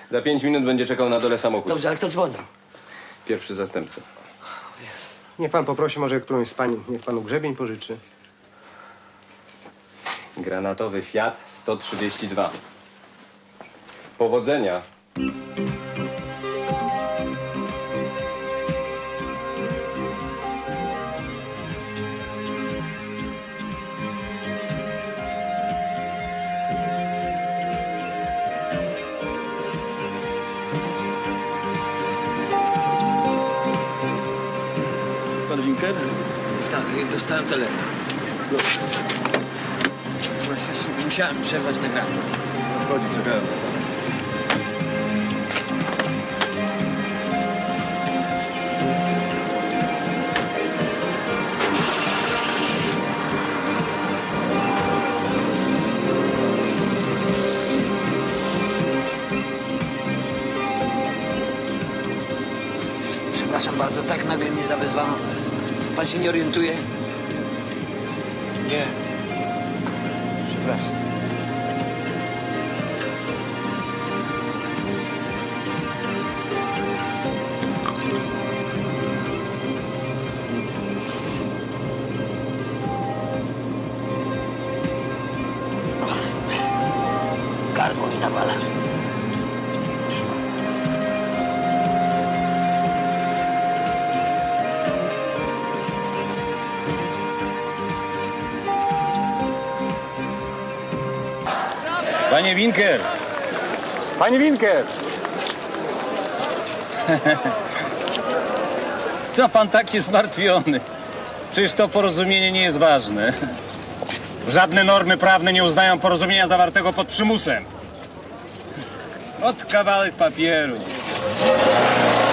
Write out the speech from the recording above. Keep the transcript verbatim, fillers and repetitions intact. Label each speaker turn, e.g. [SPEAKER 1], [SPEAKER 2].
[SPEAKER 1] Za pięć minut będzie czekał na dole samochód.
[SPEAKER 2] Dobrze, ale kto dzwonił?
[SPEAKER 1] Pierwszy zastępca.
[SPEAKER 3] Niech pan poprosi może którąś z pań, niech panu grzebień pożyczy.
[SPEAKER 1] Granatowy Fiat sto trzydzieści dwa. Powodzenia.
[SPEAKER 4] Pan Winker?
[SPEAKER 2] Tak, dostałem telefon. Właśnie musiałem przerwać nagranie.
[SPEAKER 4] Chodzi, czekałem.
[SPEAKER 2] Przepraszam bardzo, tak nagle mnie zawezwano. Pan się nie orientuje?
[SPEAKER 4] Nie.
[SPEAKER 2] Przepraszam. Gardło mi nawala.
[SPEAKER 5] Panie Winker! Panie Winker! Co pan taki zmartwiony? Przecież to porozumienie nie jest ważne. Żadne normy prawne nie uznają porozumienia zawartego pod przymusem. Ot kawałek papieru.